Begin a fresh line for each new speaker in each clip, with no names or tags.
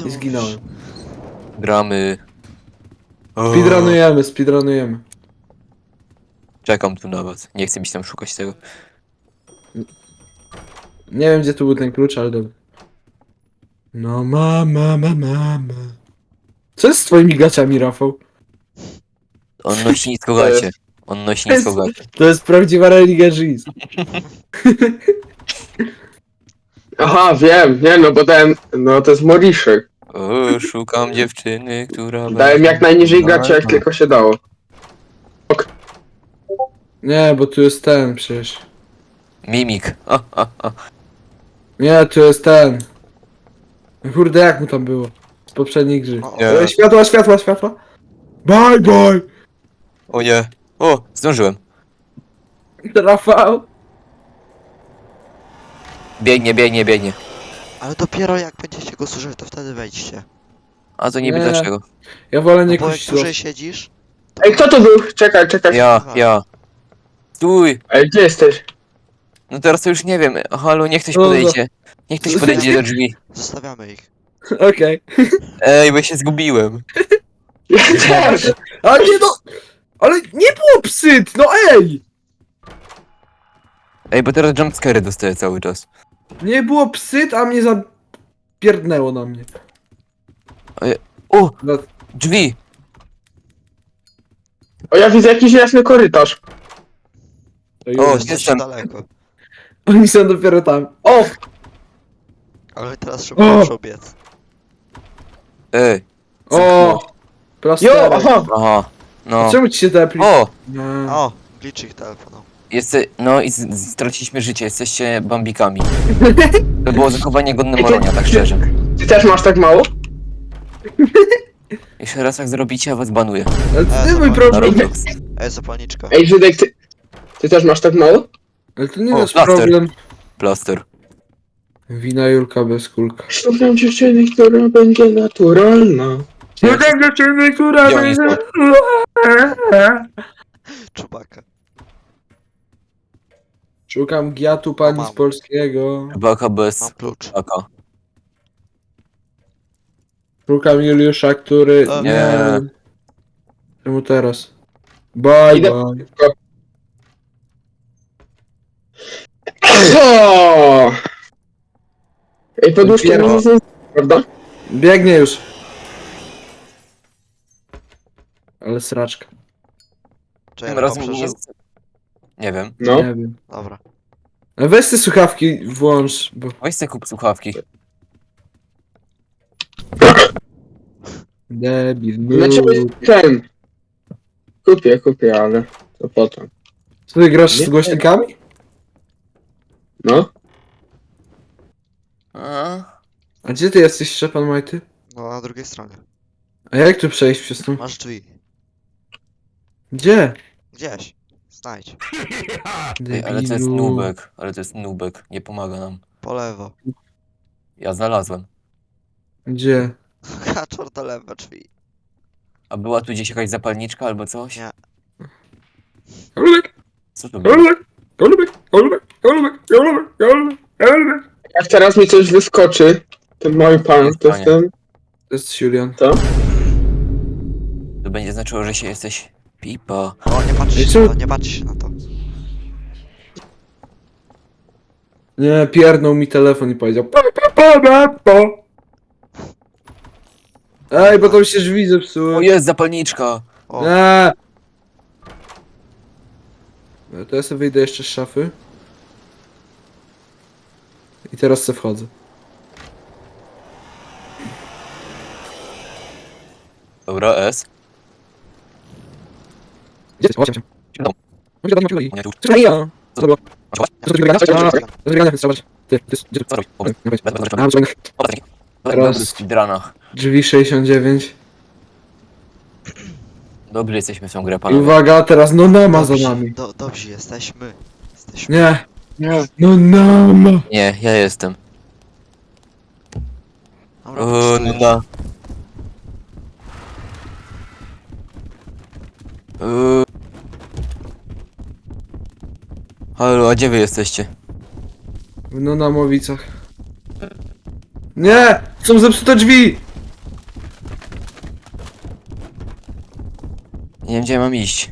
ty
I zginąłem.
Gramy. O,
Speedrunujemy.
czekam tu na was. Nie chcę mi się tam szukać tego.
Nie wiem, gdzie tu był ten klucz, ale dobra. No mama. Co jest z twoimi gaciami, Rafał?
On nosi nisko
To jest-
gacie. On nosi nisko gacie.
To jest prawdziwa religia Giz.
Aha, wiem, nie no, bo dałem, no to jest Moriszek.
O, szukam dziewczyny, która
Dałem jak najniżej gacie, jak tylko się dało.
Nie, bo tu jest ten przecież.
Mimik.
Nie, tu jest ten. Kurde, jak mu tam było? Z poprzedniej gry.
Nie.
Światła. Bye.
O nie. O, zdążyłem.
Rafał.
Biegnie.
Ale dopiero jak będziecie go słyszeć, to wtedy wejdźcie.
A to niby
Nie.
dlaczego?
Ja wolę
No
nie
bo jak
kusić
dłużej siedzisz,
Ej, kto to był? Czekaj.
Ja. Stój.
Ej, gdzie jesteś?
No teraz to już nie wiem. Halo, niech ktoś
No, no.
podejdzie. Niech ktoś podejdzie do drzwi.
zostawiamy ich.
Okej.
Ej, bo ja się zgubiłem.
Też!
Ale nie no! Ale nie było psyt, no ej!
Ej, bo teraz jumpscary dostaję cały czas.
Nie było psyt, a mnie zapierdnęło na mnie.
O,
No,
drzwi.
O, ja widzę jakiś jasny korytarz.
to już.
O,
Jesteście
jestem.
daleko.
Oni są dopiero tam.
O!
Ale teraz szybko muszą biec.
Ej,
O!
Jo,
Plasterek.
aha!
aha. No.
Czemu ci się tepli?
O,
No.
O, glitch ich telefonu.
no i straciliśmy życie, jesteście bambikami. To było zachowanie godne Moronia, tak szczerze.
Ty też masz tak mało?
Jeszcze raz jak zrobicie, ja was banuję.
Ale to nie
to
mój
ma-
Na
problem.
Roblox.
Ej, zapalniczka.
Ej, Żydek, ty też masz tak mało?
Ale to nie
O,
jest
plaster.
problem.
Plaster.
Wina Julka bez kulka.
Szukam dziewczyny, która będzie naturalna.
Szukam dziewczyny, która
Gdzie oni
będzie...
Czubaka.
Szukam giatu pani
Mam.
z polskiego.
Baka bez
Mam klucz.
taka.
Szukam Juliusza, który...
O.
Nie. Czemu teraz? Bye.
O! Ej, poduszka
Dopiero.
mi nic nie... Prawda?
Biegnie już. Ale sraczka.
Czy
Tym
ja
razem nie
przeżył?
jest... Nie wiem.
No.
Nie wiem.
Dobra.
A weź te słuchawki włącz, bo...
Weź sobie kup słuchawki.
Debil.
Znaczy ten. Kupię, ale to potem.
Co ty grasz
Nie
z głośnikami?
No.
A,
A gdzie ty jesteś, Szczepan Majty?
No na drugiej stronie.
A jak tu przejść przez tą...
Masz drzwi.
Gdzie?
Gdzieś. Znajdź.
ej, ale to jest nubek. Nie pomaga nam.
Po lewo.
Ja znalazłem.
Gdzie?
Kaczor to lewe drzwi.
A była tu gdzieś jakaś zapalniczka albo coś?
Nie.
Kolubek,
Co to było?
kolubek.
Jak teraz mi coś wyskoczy, ten mały pan, to
Stanie.
jestem...
To jest Julian.
To będzie znaczyło, że się jesteś pipa.
O, nie patrz
Ej,
się
czemu-
na to, nie patrz się na to.
Nie, pierdnął mi telefon i powiedział po. Ej, bo tam się drzwi
O,
zepsuły.
jest zapalniczka!
O,
Nie. To ja sobie wyjdę jeszcze z szafy. I teraz se wchodzę.
Dobra, S.
Gdzie jest? Chodź,
No. Nie tu.
Co ja? Co to było?
Zobacz.
Co to wygrania?
Czekaj.
To wygrania, więc zobacz. Ty, gdzie to?
Co robisz? Pomysł.
Nie,
Bez- bez- bez-
A, czekaj.
O, taki.
Teraz-
Dobry w speedrunach.
Drzwi 69.
Dobry jesteśmy w tą grę,
I
panowie.
uwaga, teraz no nama za
dobrzy,
nami.
Dobrzy jesteśmy. Jesteśmy.
Nie.
Nie.
No nama.
Nie, ja jestem.
Dobra,
O,
poczekaj.
no. Halo, a gdzie wy jesteście?
W Nonamowicach. Nie! Są zepsute drzwi!
Nie wiem, gdzie mam iść.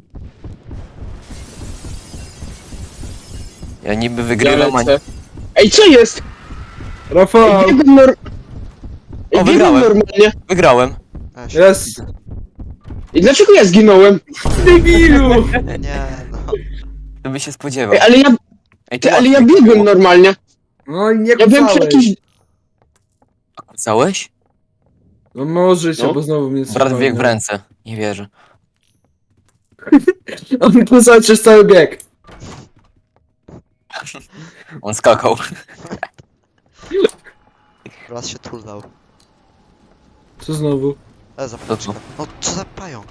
Ja niby
Ja
wygrywam, a...
lecę. Ej, co jest?
Rafał!
Ej, biegłem
O,
biegłem
wygrałem.
normalnie.
Wygrałem.
Weź.
Jest!
I dlaczego ja zginąłem?
Debilu!
Nie, no.
To by się spodziewał.
Ej, ale ja,
Ej,
ty,
tu
ale ja
łatwiej.
biegłem normalnie.
No i nie
Ja byłem przy
kucałeś.
jakiejś...
A kucałeś?
No może się,
No.
bo znowu mnie
Brat
coś
biegł w
walnęło.
ręce. Nie wierzę.
On kucał przez cały bieg.
On skakał.
Raz się tulnął.
Co znowu?
Zapalniczka. No co za pająk?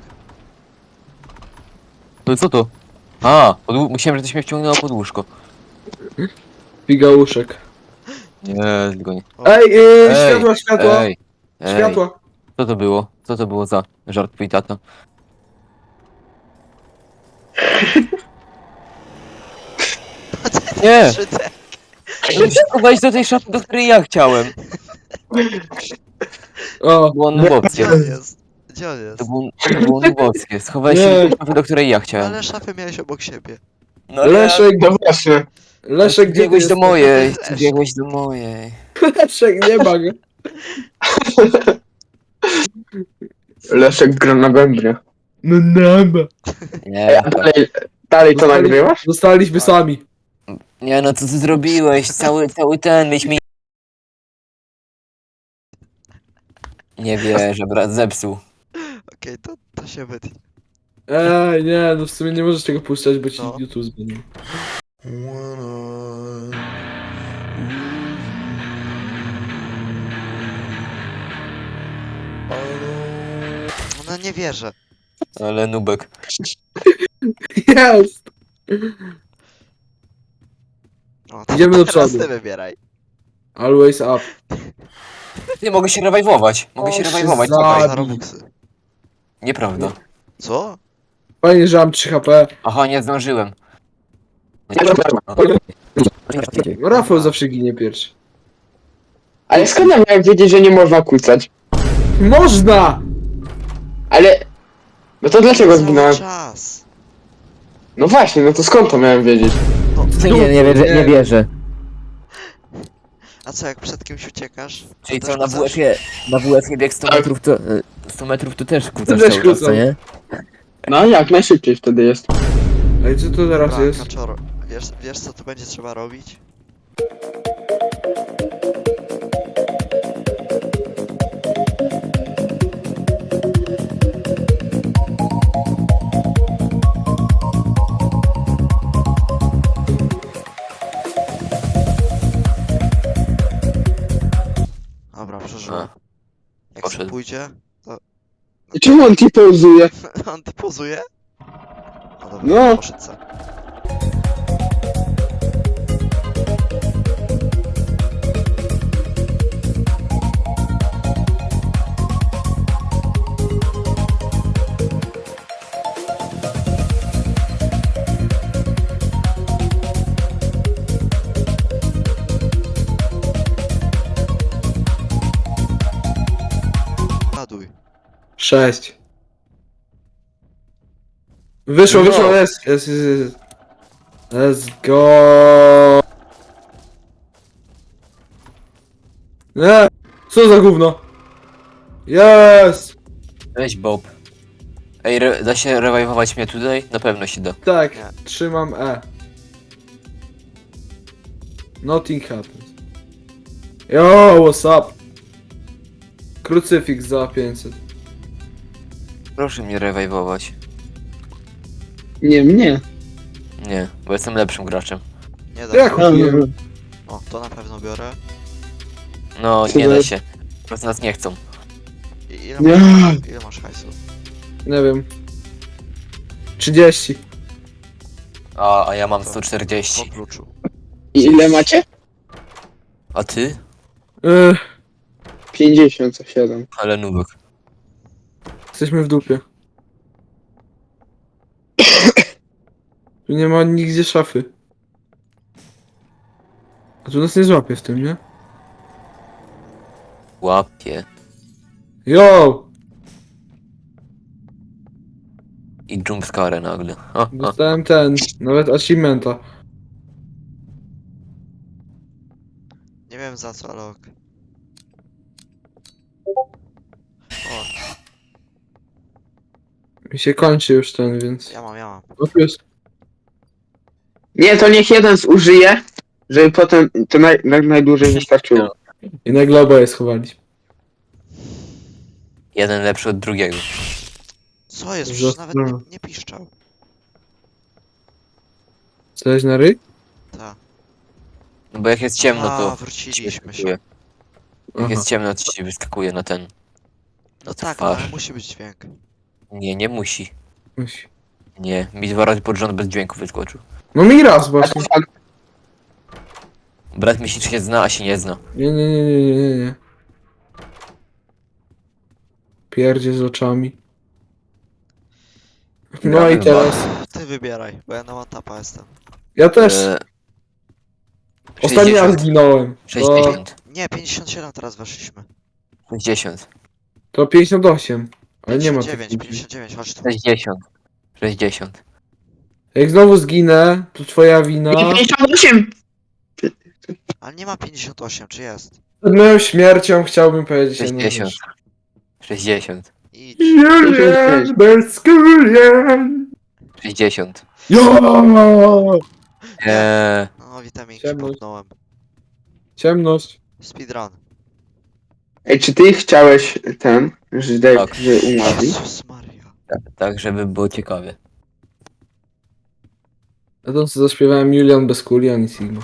No co to? A, myślałem, że to się mnie wciągnęło pod łóżko.
Figauszek.
Nie, tylko nie.
Ej,
Ej,
światła, światła!
Ej, ej.
Światła!
Co to było? Co to było za żart twój tata? Nie!
3D.
No musisz wejść do tej szafy, do której ja chciałem.
O,
To było nubowskie.
Gdzie on jest? Gdzie on jest?
To było nubowskie. Schowałeś się
Nie.
do tej szafy, do której ja chciałem.
Ale szafę miałeś obok siebie.
No ale
Leszek,
No właśnie.
Leszek, gdzie ty
biegłeś do
jesteś?
mojej.
Leszek.
Ty biegłeś do mojej.
Leszek, nie ma go.
Leszek gra na bębnie.
No nama.
Nie,
A dalej to nagrywasz?
Zostaliśmy sami.
nie no co ty zrobiłeś? Cały ten, mieliśmy... Nie wierzę, brat zepsuł.
Okej, to się wytnie.
Ej, nie, no w sumie nie możesz tego puszczać, bo ci
No.
YouTube zmieni.
No nie wierzę.
Ale nubek.
Jest!
O, to
Idziemy do
teraz
przodu.
ty wybieraj.
Always up.
Ty, mogę się rewajwować. Mogę się
O,
rewajwować,
się
czekaj.
za-
Za Robuxy.
Nieprawda.
Co?
Fajnie, że mam 3 HP.
Aha, nie zdążyłem.
No, Rafał zawsze ginie pierwszy.
Ale skąd ja miałem wiedzieć, że nie można kłócać?
Można!
Ale... No to dlaczego
Cały
zginąłem?
czas.
No właśnie, no to skąd to miałem wiedzieć?
Nie wierzę.
A co, jak przed kimś uciekasz?
Czyli
to
co,
też
na
kucasz?
WF-ie bieg 100 metrów to... 100 metrów to też kucasz
Też
cały czas, co
kucam.
nie?
No jak najszybciej wtedy jest.
Ej, co to teraz
Dobra,
jest?
Kaczor, wiesz co tu będzie trzeba robić? Dobra, przeżyłem.
A,
Jak
poszedł.
to pójdzie,
I czemu on ci pauzuje?
on ty pozuje? No dobra,
No.
poszedł sam. Ładuj.
6. Wyszło,
No.
wyszło, jest. Let's go. Nie, co za gówno? Jest!
Weź Bob. Ej, da się rewajwować mnie tutaj? Na pewno się da.
Tak,
Nie.
trzymam E. Nothing happens. Yo, what's up? Krucyfiks za 500.
Proszę mnie rewajwować.
Nie, mnie.
Nie, bo jestem lepszym graczem.
Nie da
Ja
się.
kupiłem.
O, to na pewno biorę.
No, nie da się. Po prostu nas nie chcą.
Nie.
Ile masz hajsu?
Nie wiem. 30.
A ja mam
Po
140.
kluczu.
I ile macie?
A ty?
57.
Ale nubek.
Jesteśmy w dupie. Tu nie ma nigdzie szafy. A tu nas nie złapie w tym, nie?
Łapie.
Yo!
I jumpscare nagle. Ha, ha.
Dostałem nawet achievementa.
Nie wiem za co, ale ok. O,
Mi się kończy już więc...
ja mam.
O, tu jest.
Nie, to niech jeden zużyje, żeby potem to najdłużej wystarczyło.
I nagle oboje schowaliśmy.
Jeden lepszy od drugiego.
Co jest?
Że-
Przecież nawet nie piszczał.
Coś na ryj?
Ta.
No bo jak jest ciemno,
A,
to ci
wróciliśmy się.
wyskakuje. Jak
Aha.
jest ciemno, to ci wyskakuje na ten.
No
Na
tak,
twarz.
ale musi być dźwięk.
Nie, nie musi.
Musi.
Nie, mi 2 razy pod rząd bez dźwięku wyskoczył.
No mi raz
A to
właśnie.
fakt.
Brat myśli, czy się zna, a się nie zna.
Nie. Pierdzie z oczami. No
Gramy
i
w
teraz.
Ty wybieraj, bo ja na one-tapa jestem.
Ja też.
E,
Ostatni raz
60.
zginąłem. To,
60.
Nie, 57 teraz weszliśmy.
60.
to 58. Ale nie ma
59,
takich.
59, chodź tu.
60. 60.
Jak znowu zginę, to twoja wina.
58!
Ale nie ma 58, czy jest?
Przed moją śmiercią chciałbym powiedzieć jedną
60.
rzecz.
60.
Idź.
Julian, Berskurian.
60.
Jo!
No, witaminki
Ciemność.
popnąłem.
Ciemność.
Speedrun.
Ej, czy ty chciałeś
Tak.
że umarli?
Jezus Maria.
Tak, żeby było ciekawie.
Ja to co zaśpiewałem Julian Beskulian i Sigma.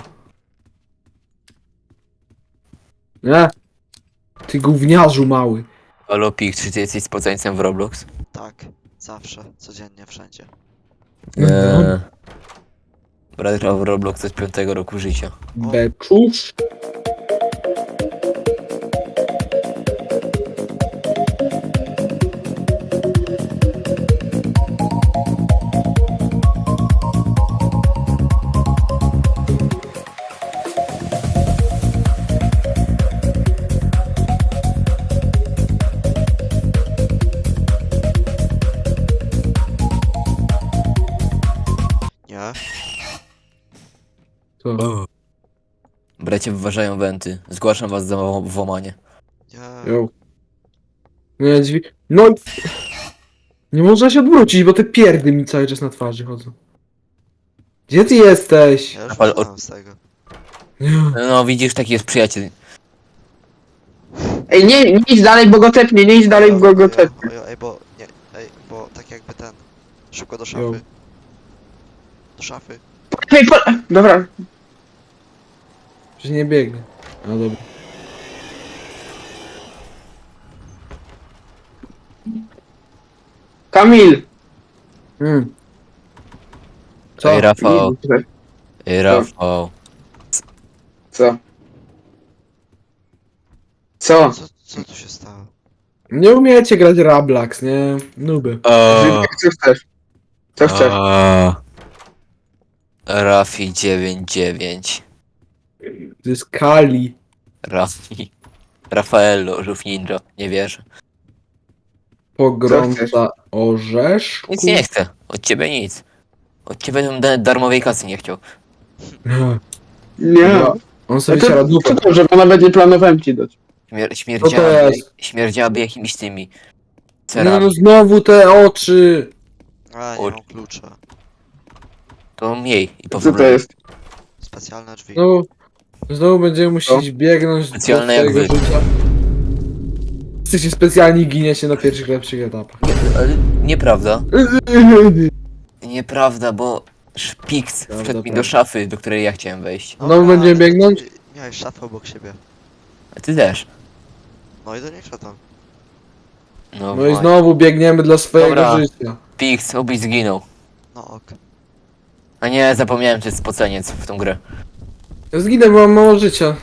Nie? Ty gówniarzu mały.
Halo Pik, czy ty jesteś spoceńcem w Roblox?
Tak, zawsze, codziennie, wszędzie.
Eee. Brat grał w Roblox od 5 roku życia.
Beczusz.
Nie?
To.
Bracie wyważają wenty. Zgłaszam was za włamanie.
Nie.
Jo. Nie, drzwi. No i... Nie można się odwrócić, bo te pierdy mi cały czas na twarzy chodzą. Gdzie ty jesteś?
Ja już
Ale
wyszedłem z tego.
Nie.
No widzisz, taki jest przyjaciel.
Ej, nie idź dalej, bo go tepnie, nie idź dalej, bo go tepnie.
Ej, bo... Nie, ej, bo tak jakby ten... Szybko do
Jo.
szafy. Do szafy.
Ej, dobra.
Że nie biegnę. No dobra.
Kamil!
Co?
Ej, Rafał.
Nie,
Ej, Rafał.
Co? Co?
Co tu się stało?
Nie umiecie grać Rablax, nie? Nuby.
Co chcesz? Co chcesz?
Rafi 99.
To jest Kali.
Rafi. Rafaello, żółw ninja. Nie wierzę.
Pogromca orzeszku.
Nic nie chcę. Od ciebie nic. Od ciebie bym darmowej kasy nie chciał.
Nie.
Nie.
No, on sobie
No
siara
to,
dupę.
co to, że nawet nie planowałem ci dać.
Śmierdziałaby,
jest?
jakimiś tymi
Nie
cerami.
no, znowu te oczy.
A, nie mam klucza.
To mniej i
Co to
powrót.
jest?
Specjalne drzwi.
Znowu będziemy musieć biegnąć do
Specjalne jak
swojego
wy.
życia. Jesteście specjalni, giniecie na pierwszych lepszych etapach.
Ale nieprawda. Nieprawda, bo Szpiks
Prawda,
wszedł mi
prawda.
do szafy, do której ja chciałem wejść.
Znowu będziemy biegnąć?
Miałeś szafę obok siebie.
A ty też.
No i do niej tam.
No,
No i
właśnie.
znowu biegniemy dla swojego
Dobra.
życia.
Pix, obyś zginął.
No ok.
A nie, zapomniałem, że jest spoceniec w tą grę.
Ja zginę, bo mam mało życia.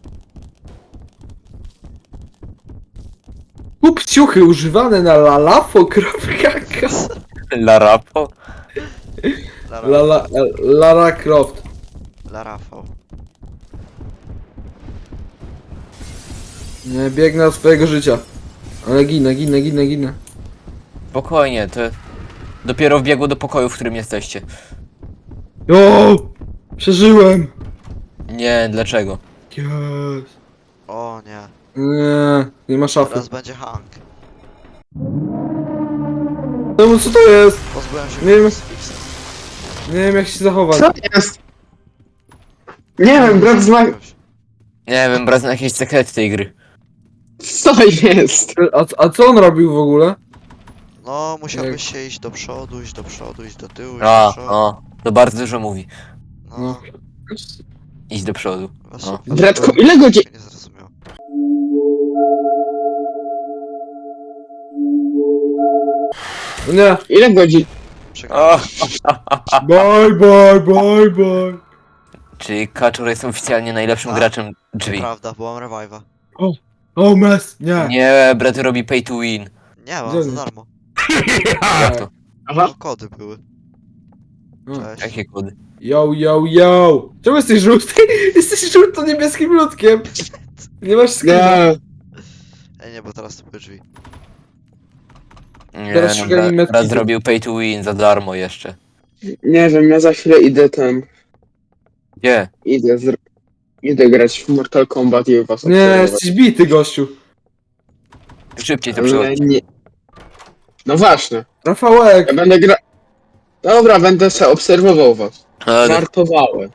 Kup ciuchy używane na lalafo.com.
Larapo?
Lara Croft.
Dla Rafał.
Nie, biegnę od swojego życia. Ale ginę.
Spokojnie, to Dopiero wbiegło do pokoju, w którym jesteście.
O! Przeżyłem!
Nie, dlaczego?
Yes.
O nie.
Nie ma szafy.
Teraz będzie Hank.
No co to jest?
Pozbyłem się
Nie wiem.
krucyfiksa.
Nie wiem jak się zachować.
Co jest? Nie wiem, brat zna...
Nie wiem, brat, na jakieś sekrety tej gry.
Co jest?
A co on robił w ogóle?
No, musiałbyś się iść do przodu, iść do przodu, iść do tyłu, iść
A,
do przodu.
o, to bardzo dużo mówi.
No,
No.
Idź do przodu.
właśnie
no.
widzę,
Bratku,
że
ile godzin...
się nie zrozumiał.
No nie.
Ile godzin...
O,
Bye.
czyli Kaczor jest oficjalnie najlepszym
A,
graczem drzwi.
Prawda, bo mam revive'a.
O mess, nie.
Nie, brat robi pay to win.
Nie, mam
Gdzie
za
on?
darmo.
Jak to?
Aha.
No, kody były.
No.
Cześć.
Jakie kody?
Yo. Czemu jesteś żółty? Jesteś żółto-niebieskim ludkiem. Nie masz skina.
Nie.
Ej, nie, bo teraz to były drzwi.
Nie,
Teraz
no,
szukaj
brat
medkitu.
zrobił pay to win za darmo jeszcze.
Nie wiem, ja za chwilę idę tam...
Gdzie?
Idę grać w Mortal Kombat i was
Nie,
obserwować.
jesteś bity, gościu.
Szybciej to
Ale
przychodzi.
nie... No właśnie,
Rafałek.
ja będę gra... Dobra, będę se obserwował was.
Ale
Żartowałem.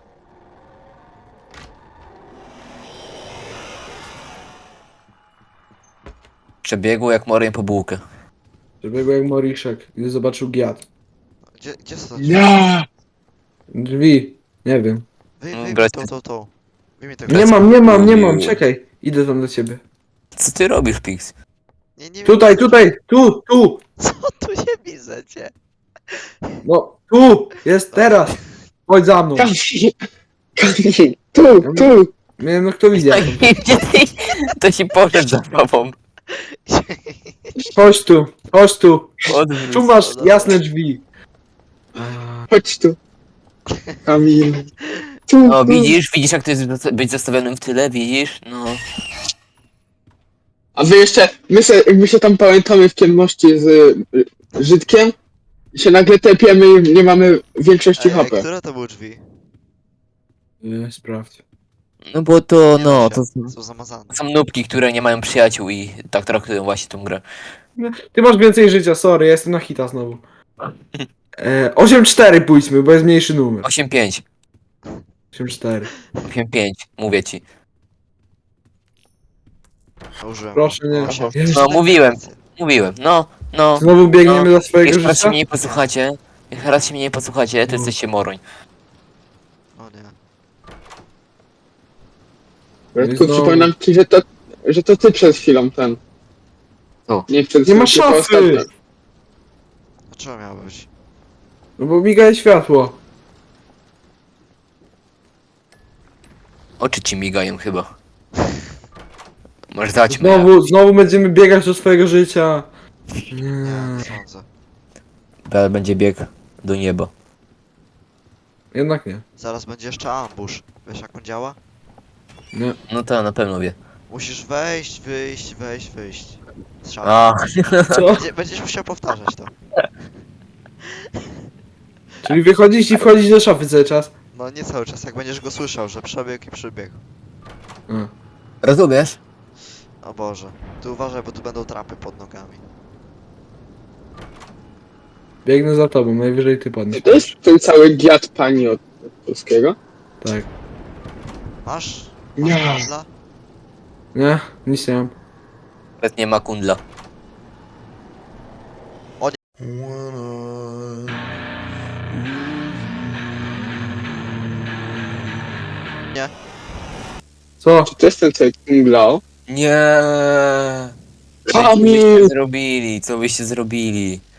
przebiegło jak moriem po bułkę.
Przebiegł jak Moriszek, gdy zobaczył giat.
Gdzie są?
Nie!
Drzwi. Nie wiem.
Wyjmij
brać-
tą. Wyjmij tego.
Nie mam.
Lubił.
Czekaj. Idę tam do ciebie.
Co ty robisz, Pix?
Nie
Tutaj. Tu.
Co tu nie widzę cię?
No, tu. Jest teraz. Chodź za mną.
Kamil! Kamil! Tu!
Nie, no kto widzi?
To ci poszedł za tobą.
Chodź tu.
Odwróć.
Tu masz jasne drzwi.
Chodź tu. Kamil. Tu,
No
tu.
widzisz jak to jest być zostawionym w tyle, widzisz? No.
A wy jeszcze, my się tam pamiętamy w ciemności z Żydkiem i się nagle tepiemy i nie mamy większości
Ej,
HP.
które to były drzwi?
Nie, sprawdź.
No bo to,
Nie
no,
da
to
się. Są zamazane.
są nubki, które nie mają przyjaciół i tak traktują właśnie tą grę.
Ty masz więcej życia, sorry, ja jestem na hita znowu. 8-4 pójdźmy, bo jest mniejszy numer.
8-5.
8-4.
8-5, mówię ci.
Użyłem.
Proszę, nie.
Osiem.
Jezu.
No mówiłem, no.
Znowu biegniemy
No,
za swojego
Jak raz się
życia?
mnie nie posłuchacie, to jesteście moroń.
O nie.
Bratku,
znowu.
przypominam ci, że to ty przed chwilą ten.
Co?
Nie przed
Nie ma
chwilą, tylko
szafy!
ostatnio.
Dlaczego miało być?
No bo migaje światło.
Oczy ci migają chyba. Masz dać mnie.
Znowu będziemy biegać do swojego życia.
Nie,
Nie.
nie sądzę.
Ale będzie bieg do nieba.
Jednak nie.
Zaraz będzie jeszcze ambush. Wiesz jak on działa?
Nie.
No to na pewno wie.
Musisz wejść, wyjść. Z szafy.
A,
Co?
Będziesz musiał powtarzać to.
Czyli wychodzić i wchodzić do szafy cały czas.
No nie cały czas, jak będziesz go słyszał, że przebiegł i przybiegł.
A.
rozumiesz?
O Boże. Ty uważaj, bo tu będą trapy pod nogami.
Biegnę za tobą, najwyżej ty padniesz.
To jest ten cały giat pani od polskiego?
Tak.
Masz?
Nie.
Masz handla?
Nie, nic nie mam.
Nawet nie ma kundla.
Co?
Czy to jest ten cały Kunglao?
Nie. Co
Kamil!
byście zrobili? Co byście zrobili?